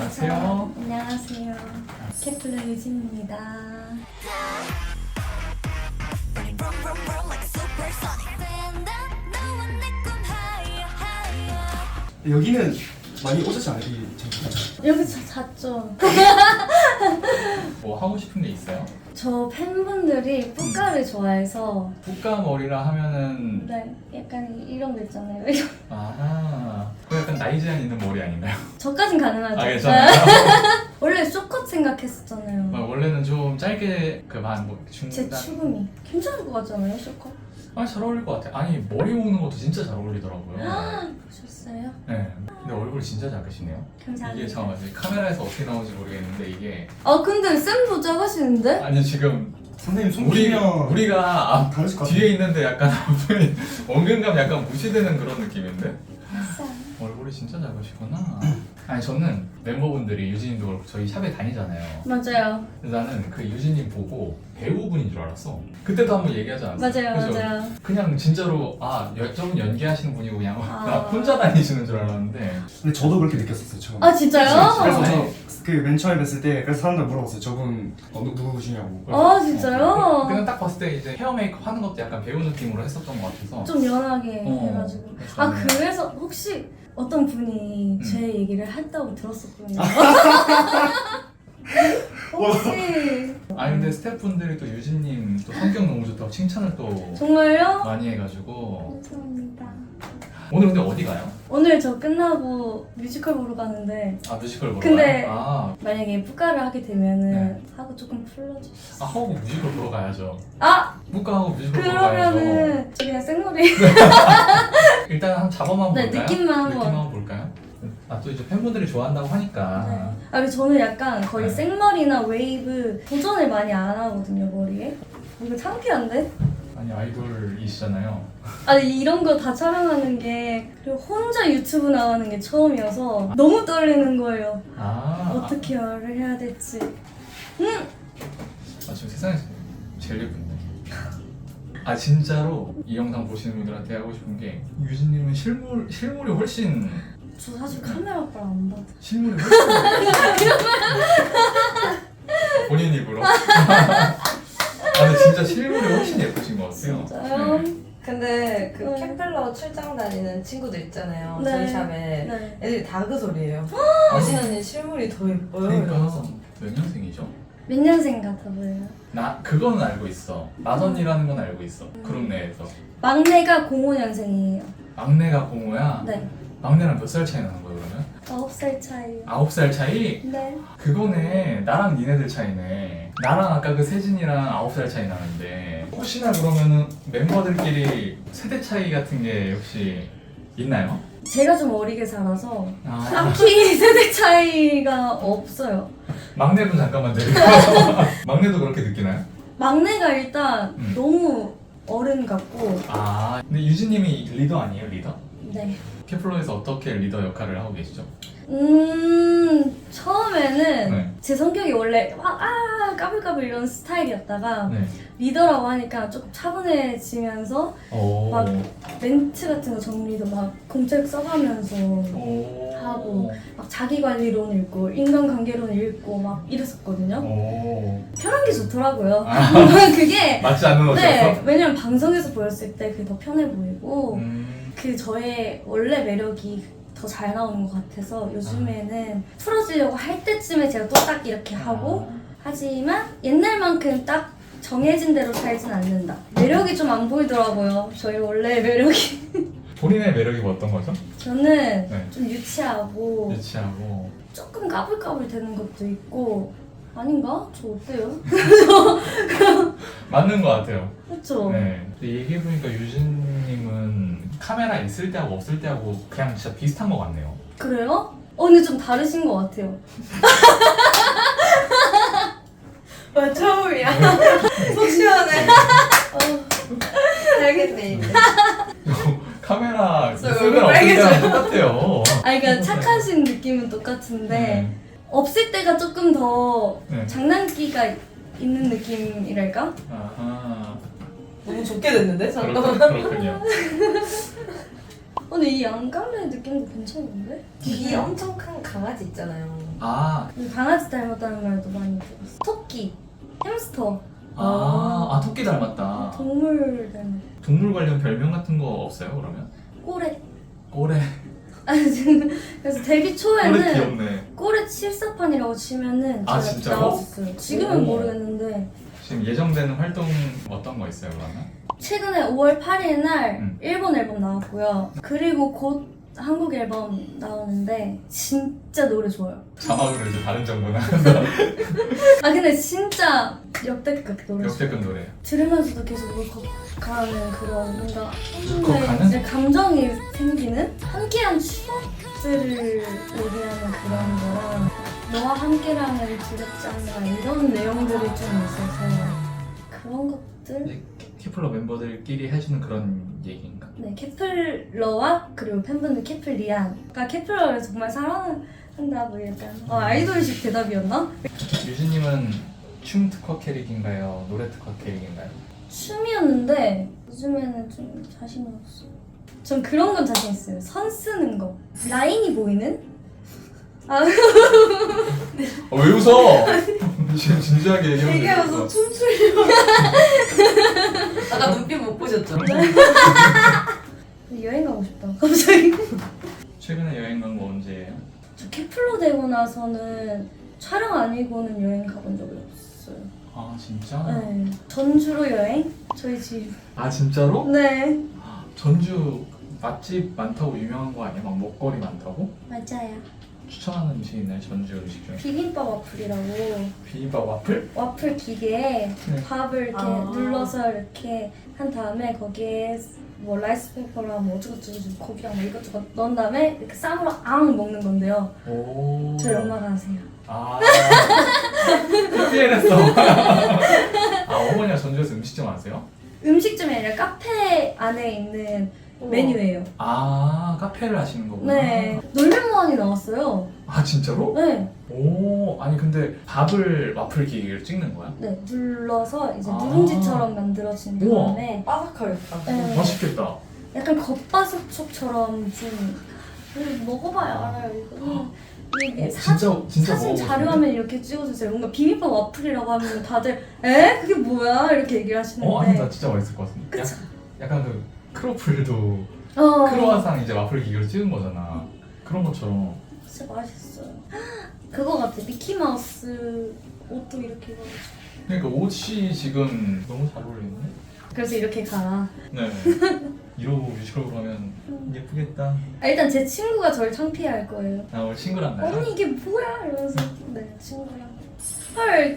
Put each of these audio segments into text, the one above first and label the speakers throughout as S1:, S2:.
S1: 안녕하세요.
S2: 안녕하세요. 케플러 유진입니다.
S3: 여기는 많이 오셨지 않아요? 이 장소가?
S2: 여기서 잤죠.
S1: 뭐 하고 싶은 게 있어요?
S2: 저 팬분들이 뿌까를 좋아해서
S1: 뿌까 머리라 하면은
S2: 네, 약간 이런 거 있잖아요.
S1: 아하 그 약간 나이 제한 있는 머리 아닌가요?
S2: 저까진 가능하죠.
S1: 아 괜찮아요.
S2: 원래 쇼컷 생각했었잖아요.
S1: 원래는 좀 짧게 그만뭐
S2: 제
S1: 중간
S2: 추금이 괜찮을 것 같잖아요, 쇼컷.
S1: 잘 어울릴 것 같아요. 아니 머리 모으는 것도 진짜 잘 어울리더라고요.
S2: 보셨어요?
S1: 네. 근데 얼굴이 진짜 작으시네요.
S2: 감사합니다.
S1: 이게 잠깐만 카메라에서 어떻게 나오는지 모르겠는데 이게
S2: 근데 쌤도 작으시는데?
S1: 아니 지금
S3: 선생님
S1: 우리
S3: 손키면
S1: 우리가
S3: 다르실 것 같아요.
S1: 뒤에 있는데 약간 앞에 원근감 약간 무시되는 그런 느낌인데.
S2: 아싸.
S1: 얼굴이 진짜 작으시구나. 아니 저는 멤버분들이 유진님도 그렇고 저희 샵에 다니잖아요.
S2: 맞아요.
S1: 그래서 나는 그 유진님 보고 배우분인 줄 알았어. 그때도 한번 얘기하지 않았어요?
S2: 맞아요,
S1: 그죠?
S2: 맞아요.
S1: 그냥 진짜로 저분 연기하시는 분이고 그냥
S2: 아.
S1: 나 혼자 다니시는 줄 알았는데.
S3: 근데 저도 그렇게 느꼈었어요 처음.
S2: 아, 진짜요?
S3: 그래서
S1: 아니.
S3: 저 그 맨 처음에 뵀을 때 그래서 사람들 물어봤어요. 저분 누구시냐고.
S2: 아, 진짜요?
S1: 그냥 딱 봤을 때 이제 헤어 메이크업 하는 것도 약간 배우 느낌으로 했었던 것 같아서.
S2: 좀 연하게 해가지고.
S1: 그래서
S2: 아,
S1: 저는
S2: 그래서 혹시 어떤 분이 제 얘기를 했다고 들었었거든요. 혹시
S1: 아니 근데 스태프분들이 또 유진님 또 성격 너무 좋다고 칭찬을 또
S2: 정말요?
S1: 많이 해가지고.
S2: 감사합니다.
S1: 오늘 근데 어디 가요?
S2: 오늘 저 끝나고 뮤지컬 보러 가는데
S1: 아 뮤지컬 보러
S2: 근데-
S1: 가요?
S2: 만약에 뿌까를 하게 되면은
S1: 네.
S2: 하고 조금 풀러주세요.
S1: 하고 뮤지컬 보러 가야죠.
S2: 아!
S1: 묵가하고 뮤지컬 보러 가야죠.
S2: 그러면은 저 그냥 생머리
S1: 일단 한 잡아만
S2: 네,
S1: 볼까요?
S2: 느낌만 한번.
S1: 느낌만 볼까요? 또 이제 팬분들이 좋아한다고 하니까.
S2: 네. 아, 근데 저는 약간 거의
S1: 네.
S2: 생머리나 웨이브 도전을 많이 안 하거든요, 머리에. 이거 창피한데?
S1: 아니 아이돌이시잖아요.
S2: 아니 이런 거 다 촬영하는 게 그리고 혼자 유튜브 나가는 게 처음이어서 너무 떨리는 거예요. 어떻게 말을 해야 될지.
S1: 지금 세상에서 제일 예쁜데. 아 진짜로 이 영상 보시는 분들한테 하고 싶은 게 유진님은 실물이 훨씬
S2: 저 사실 카메라 오빠를 안 봐도.
S1: 실물이 훨씬 본인 입으로. 근데 진짜 실물이 훨씬 예쁘신 것 같아요.
S2: 진짜요?
S1: 네.
S4: 근데 그
S2: 네.
S4: 캠펠러 출장 다니는 친구들 있잖아요.
S2: 네.
S4: 저희 샵에
S2: 네.
S4: 애들이 다 그 소리예요. 유진 언니 실물이 더 예뻐요.
S1: 그러니까
S4: 이러면서.
S1: 몇 년생이죠?
S2: 몇 년생 같아 보여요?
S1: 나 그거는 알고 있어. 맏언니라는 건 알고 있어. 그룹 내에서.
S2: 막내가 05년생이에요.
S1: 막내가 공호야.
S2: 네.
S1: 막내랑 몇 살 차이 나는 거야 그러면?
S2: 9살 차이.
S1: 9살 차이?
S2: 네.
S1: 그거네. 나랑 니네들 차이네. 나랑 아까 그 세진이랑 9살 차이 나는데 혹시나 그러면은 멤버들끼리 세대 차이 같은 게 혹시 있나요?
S2: 제가 좀 어리게 살아서
S1: 아,
S2: 딱히 세대 차이가 없어요.
S1: 막내분 잠깐만 내리고. 막내도 그렇게 느끼나요?
S2: 막내가 일단
S1: 음.
S2: 너무 어른 같고
S1: 근데 유진님이 리더 아니에요? 리더?
S2: 네.
S1: 케플러에서 어떻게 리더 역할을 하고 계시죠?
S2: 처음에는
S1: 네.
S2: 제 성격이 원래 막 까불까불 이런 스타일이었다가
S1: 네.
S2: 리더라고 하니까 조금 차분해지면서
S1: 오.
S2: 막 멘트 같은 거 정리도 막 공책 써가면서
S1: 오.
S2: 하고 막 자기관리론 읽고 인간관계론 읽고 막 이랬었거든요.
S1: 오.
S2: 편한 게 좋더라고요.
S1: 아.
S2: 그게
S1: 맞지 않는 옷이었어?
S2: 네, 왜냐면 방송에서 보였을 때 그게 더 편해 보이고
S1: 음.
S2: 그 저의 원래 매력이 더 잘 나오는 것 같아서 요즘에는 풀어지려고 할 때쯤에 제가 또 딱 이렇게 하고 하지만 옛날만큼 딱 정해진 대로 살진 않는다. 매력이 좀 안 보이더라고요. 저희 원래 매력이.
S1: 본인의 매력이 뭐 어떤 거죠?
S2: 저는
S1: 네.
S2: 좀 유치하고
S1: 유치하고.
S2: 조금 까불까불 되는 것도 있고 아닌가? 저 어때요?
S1: 맞는 것 같아요.
S2: 그렇죠?
S1: 네. 근데 얘기해보니까 유진님은 카메라 있을 때하고 없을 때하고 그냥 진짜 비슷한 것 같네요.
S2: 그래요? 근데 좀 다르신 것 같아요.
S4: 와 처음이야. 속 시원해. 알겠네 이제.
S1: 카메라
S4: 저
S1: 있을
S4: 얼굴
S1: 때랑 없을 때랑
S4: 빨개져요.
S1: 똑같아요.
S2: 그러니까 착하신 느낌은 똑같은데
S1: 네.
S2: 없을 때가 조금 더
S1: 네.
S2: 장난기가 있는 느낌이랄까?
S1: 아하.
S4: 너무 좋게 됐는데 잠깐만.
S1: 그렇군요.
S2: 근데 이 양갈래 느낌도 괜찮은데?
S4: 귀 엄청 큰 강아지 있잖아요.
S1: 아,
S2: 강아지 닮았다는 말도 많이 들었어. 토끼, 햄스터,
S1: 토끼 닮았다.
S2: 동물 닮았.
S1: 동물 관련 별명 같은 거 없어요, 그러면?
S2: 꼬레.
S1: 꼬레.
S2: 아니 지금 그래서 데뷔
S1: 꼬레
S2: 초에는
S1: 귀엽네.
S2: 꼬레 칠사판이라고 치면은
S1: 아,
S2: 제가
S1: 진짜로?
S2: 나왔었어요. 지금은
S1: 오.
S2: 모르겠는데
S1: 지금 예정되는 활동 어떤 거 있어요, 그러면?
S2: 최근에 5월 8일 날
S1: 음.
S2: 일본 앨범 나왔고요. 그리고 곧 한국 앨범 나오는데 진짜 노래 좋아요.
S1: 자막으로 이제 다른 정보나
S2: 아 근데 진짜 역대급 노래.
S1: 역대급 노래.
S2: 들으면서도 계속 울컥하는 그런 뭔가
S1: 울컥하는?
S2: 이제 감정이 생기는 함께한 추억들을 얘기하는 그런 거랑 너와 함께라는 두렵지 않나 이런 내용들이 좀 있어서 그런 것들.
S1: 이제 키플러 멤버들끼리 해주는 그런 얘기인가?
S2: 네, 케플러와 그리고 팬분들 케플리안. 그러니까 케플러를 정말 사랑한다 뭐 약간 아이돌식 대답이었나?
S1: 유진님은 춤 특화 캐릭인가요? 노래 특화 캐릭인가요?
S2: 춤이었는데 요즘에는 좀 자신이 없어. 전 그런 건 자신 있어요. 선 쓰는 거. 라인이 보이는?
S1: 왜 웃어? 지금 진지하게 얘기하면
S4: 얘기하면서 춤추려고. 아까 눈빛 못 보셨죠?
S2: 여행 가고 싶다. 갑자기.
S1: 최근에 여행 간 거 언제예요?
S2: 저 케플러 되고 나서는 촬영 아니고는 여행 가본 적이 없어요.
S1: 아 진짜?
S2: 네. 전주로 여행? 저희 집.
S1: 아 진짜로?
S2: 네.
S1: 전주 맛집 많다고 유명한 거 아니야? 막 먹거리 많다고?
S2: 맞아요.
S1: 추천하는 음식 있나요? 전주 음식 중에?
S2: 비빔밥 와플이라고
S1: 비빔밥 와플?
S2: 와플 기계에
S1: 네.
S2: 밥을 이렇게
S4: 아.
S2: 눌러서 이렇게 한 다음에 거기에 뭐 라이스 페이퍼랑 뭐 어쩌고저쩌고 고기랑 뭐 이것저것 넣은 다음에 이렇게 쌈으로 앙 먹는 건데요.
S1: 오.
S2: 저희 엄마가 하세요.
S1: 아 PPL했어. 아 어머니가 전주에서 음식점 아세요?
S2: 음식점이 아니라 카페 안에 있는 메뉴예요.
S1: 아 카페를 하시는 거구나.
S2: 네. 놀면무한이 나왔어요.
S1: 아 진짜로?
S2: 네.
S1: 오 아니 근데 밥을 와플 기계로 찍는 거야?
S2: 네. 눌러서 이제
S1: 아.
S2: 누룽지처럼 만들어진
S1: 우와.
S2: 다음에
S4: 바삭하겠다.
S2: 네.
S1: 맛있겠다.
S2: 약간 겉바속촉처럼 좀 먹어봐야 알아요. 이거는 이게
S1: 진짜
S2: 사진
S1: 먹어보고
S2: 자료화면 이렇게 찍어주세요. 뭔가 비빔밥 와플이라고 하면 다들 에? 그게 뭐야? 이렇게 얘기를 하시는데
S1: 아니 나 진짜 맛있을 것 같은데.
S2: 그쵸?
S1: 약간 그 크로플도
S2: 어,
S1: 크로와상 이제 와플 기계로 찍은 거잖아. 그런 것처럼.
S2: 진짜 맛있어요. 그거 같아. 미키마우스 옷도 이렇게 입어가지고
S1: 그러니까 옷이 지금 너무 잘 어울리네.
S2: 그래서 이렇게 가.
S1: 네. 이러고 뮤지컬 보면 예쁘겠다.
S2: 일단 제 친구가 저를 창피해할 거예요.
S1: 나 오늘 친구랑 가요.
S2: 언니 이게 뭐야? 이러면서 네 친구랑 헐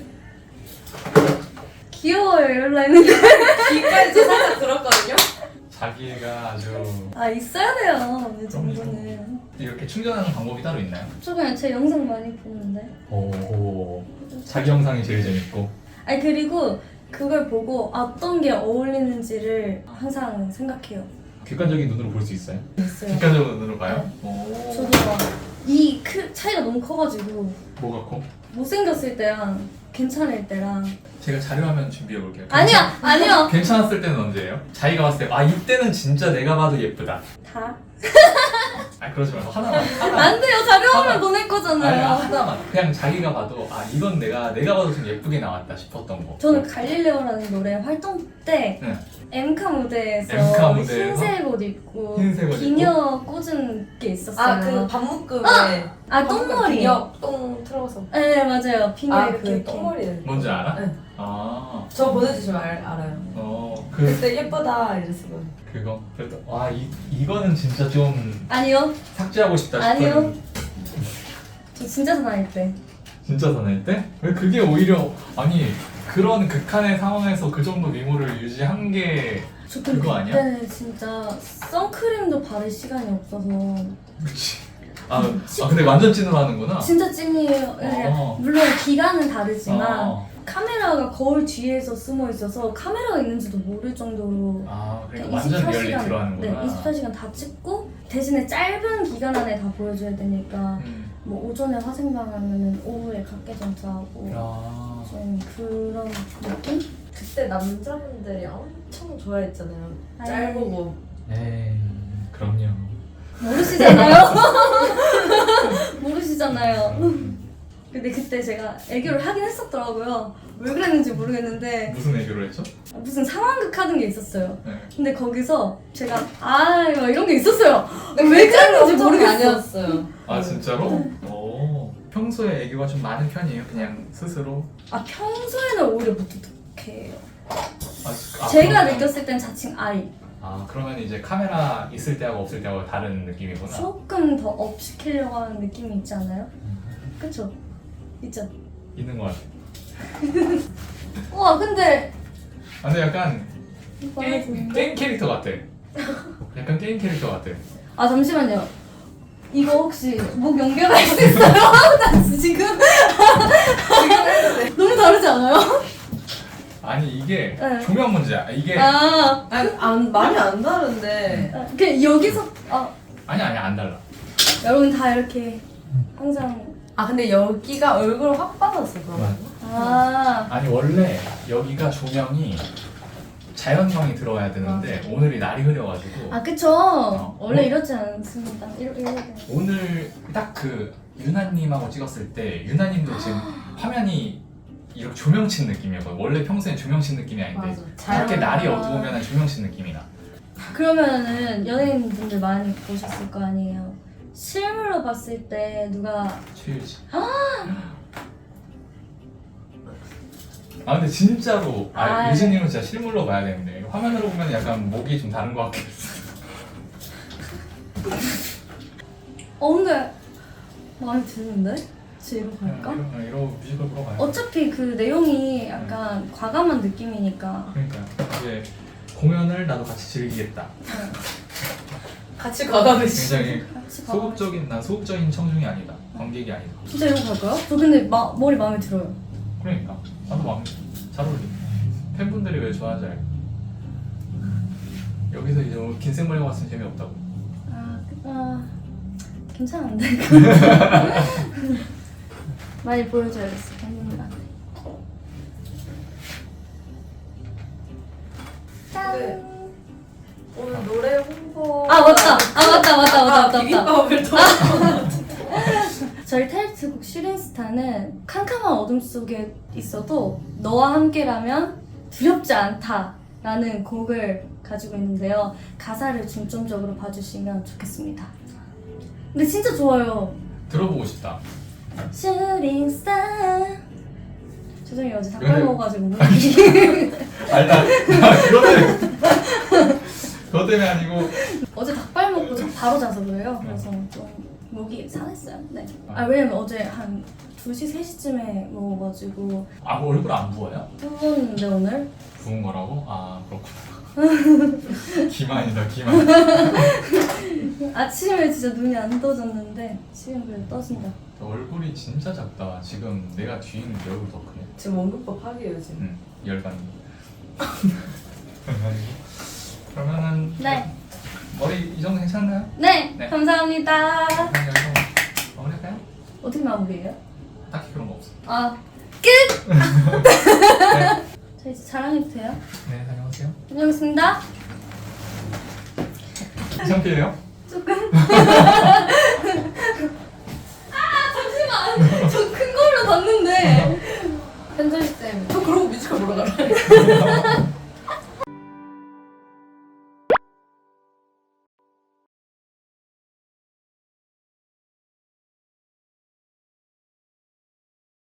S2: 귀여워요 이럴라 했는데
S4: 귀까지 살짝 들었거든요.
S1: 자기가 아주
S2: 아 있어야 돼요 이 정도는.
S1: 이렇게 충전하는 방법이 따로 있나요?
S2: 저 그냥 제 영상 많이 보는데.
S1: 오. 자기 영상이 제일 재밌고.
S2: 아니 그리고 그걸 보고 어떤 게 어울리는지를 항상 생각해요.
S1: 객관적인 눈으로 볼 수 있어요?
S2: 있어요.
S1: 객관적인 눈으로 봐요? 오.
S2: 저도 막이 차이가 너무 커가지고
S1: 뭐가 커?
S2: 못생겼을 때랑 괜찮을 때랑
S1: 제가 자료화면 준비해 볼게요.
S2: 아니요
S1: 괜찮았을 때는 언제예요? 자기가 봤을 때 아 이때는 진짜 내가 봐도 예쁘다.
S2: 다
S1: 아 그러지 말고 하나만.
S2: 안 돼요 자료화면
S1: 하나.
S2: 보낼
S1: 아니
S2: 거잖아요.
S1: 하나만. 그냥 자기가 봐도 아 이건 내가 봐도 좀 예쁘게 나왔다 싶었던 거.
S2: 저는 갈릴레오라는 노래 활동 때
S1: 네.
S2: 엠카 무대에서
S1: 엠카 무대에서?
S2: 흰색 옷 입고
S1: 흰색 옷
S2: 비녀 꽂은 게 있었어요.
S4: 아그 밥묶음에
S2: 똥머리.
S4: 똥 틀어서.
S2: 네 맞아요. 비녀
S4: 아
S2: 이렇게
S4: 그
S2: 이렇게.
S4: 똥머리.
S1: 뭔지 알아?
S4: 네.
S1: 아.
S4: 저 보내주시면 알아요.
S1: 그
S4: 그때 예쁘다 이랬어요.
S1: 그거. 그래도 와 이거는 진짜 좀
S2: 아니요
S1: 삭제하고 싶다 싶은.
S2: 아니요. 저 진짜 사나이 때.
S1: 진짜 사나이 때? 왜 그게 오히려 아니 그런 극한의 상황에서 그 정도 미모를 유지한 게
S2: 저 근데
S1: 그거 아니야?
S2: 그때는 진짜 선크림도 바를 시간이 없어서
S1: 그치. 아 근데 완전 찐으로 하는구나.
S2: 진짜 찐이에요. 물론 기간은 다르지만 카메라가 거울 뒤에서 숨어 있어서 카메라가 있는지도 모를 정도로
S1: 그러니까 완전 리얼리티로 하는구나.
S2: 네, 24시간 다 찍고 대신에 짧은 기간 안에 다 보여줘야 되니까 뭐 오전에 화생방 하면은 오후에 각개전자 하고
S1: 야.
S2: 좀 그런 느낌?
S4: 그때 남자분들이 엄청 좋아했잖아요.
S2: 아유.
S4: 짧고
S1: 에이 그럼요.
S2: 모르시잖아요. 모르시잖아요. 근데 그때 제가 애교를 하긴 했었더라고요. 왜 그랬는지 모르겠는데
S1: 무슨 애교를 했죠?
S2: 무슨 상황극 하는 게 있었어요.
S1: 네.
S2: 근데 거기서 제가 막 이런 게 있었어요.
S4: 근데
S2: 왜
S4: 그때는
S2: 그랬는지
S4: 엄청
S2: 모르겠어.
S4: 아니었어요.
S1: 아 진짜로? 오. 평소에 애교가 좀 많은 편이에요? 그냥 스스로?
S2: 아 평소에는 오히려 무뚝뚝해요.
S1: 아,
S2: 제가
S1: 그러면-
S2: 느꼈을 땐 자칭 아이.
S1: 아 그러면 이제 카메라 있을 때하고 없을 때하고 다른 느낌이구나.
S2: 조금 더 업 시키려고 하는 느낌이 있지 않아요? 그쵸? 있죠?
S1: 있는 것 같아.
S2: 우와 근데
S1: 아, 근데 약간
S2: 말해주는데?
S1: 게임 캐릭터 같아. 약간 게임 캐릭터 같아.
S2: 아 잠시만요. 이거 혹시 목 연결할 수 있어요? 나 지금 너무 다르지 않아요?
S1: 아니 이게
S2: 네.
S1: 조명 문제야. 이게
S2: 아,
S4: 많이 안 다른데.
S2: 그냥 여기서
S1: 아니 안 달라.
S2: 여러분 다 이렇게 항상
S4: 아 근데 여기가 얼굴 확 빠졌어 그러면.
S1: 아니 원래 여기가 조명이 자연광이 들어와야 되는데 오늘이 날이 흐려가지고
S2: 그쵸. 원래 이렇지 않습니다. 이렇게
S1: 오늘 딱 그 유나님하고 찍었을 때 유나님도 지금 화면이 이렇게 조명친 느낌이었거든. 원래 평소엔 조명친 느낌이 아닌데
S4: 맞아.
S1: 이렇게 날이 어두우면 조명친 느낌이 나.
S2: 그러면은 연예인분들 많이 보셨을 거 아니에요. 실물로 봤을 때 누가
S1: 최유지. 아 근데 진짜로
S2: 아,
S1: 유진님은 진짜 실물로 봐야 되는데 화면으로 보면 약간 목이 좀 다른 것 같긴 했어.
S2: 근데 마음에 드는데? 지금 갈까?
S1: 이러고 뮤지컬 보러 가요.
S2: 어차피 그 내용이 약간 과감한 느낌이니까.
S1: 그러니까 이제 공연을 나도 같이 즐기겠다.
S4: 같이 과감해지.
S1: 굉장히
S2: 같이 가.
S1: 난 소극적인 청중이 아니다. 관객이 아니다.
S2: 진짜 이러고 갈까요? 저 근데 머리 마음에 들어요.
S1: 그러니까 나도 마음에 잘 어울리. 팬분들이 왜 좋아하지 알고. 여기서 이제 긴 생머리가 왔으면 재미없다고.
S2: 괜찮은데. 많이 보여줘야겠어 팬분들한테. 짠.
S4: 네. 오늘 노래 홍보.
S2: 맞다.
S4: 비빔밥을 더.
S2: 저희 타이틀곡 슈링스타는 캄캄한 어둠 속에 있어도 너와 함께라면 두렵지 않다라는 곡을 가지고 있는데요. 가사를 중점적으로 봐주시면 좋겠습니다. 근데 진짜 좋아요.
S1: 들어보고 싶다.
S2: 슈링스타. 죄송해요 어제 닭발
S1: 근데-
S2: 먹어가지고 목이.
S1: 아니 나 그것 때문에 아니고
S2: 어제 닭발 먹고 바로 자서 그래요. 그래서 좀 목이 상했어요. 네. 왜냐면 어제 한 2시, 3시쯤에 먹어가지고
S1: 얼굴 안 부어요?
S2: 부었는데 오늘?
S1: 부은 거라고? 아 그렇구나. 기만이다 기만.
S2: 아침에 진짜 눈이 안 떠졌는데 지금 그래도 떠진다.
S1: 얼굴이 진짜 작다. 지금 내가 뒤에 있는 내 얼굴 더 크네.
S4: 지금 원근법 하기예요 지금.
S1: 응, 열반이. 그러면은
S2: 네.
S1: 머리 이 정도 괜찮나요?
S2: 네,
S1: 네.
S2: 감사합니다.
S1: 그럼 여기서 마무리할까요?
S2: 어떻게 마무리해요?
S1: 딱히 그런 거 없어.
S2: 끝!
S1: 네,
S2: 저 이제 자랑해도 돼요?
S1: 네 다녀오세요.
S2: 다녀오겠습니다.
S1: 이상피해요?
S2: 조금. 잠시만. 저 큰 걸로 봤는데. 현철 쌤.
S4: 저 그러고 뮤지컬 보러 가라.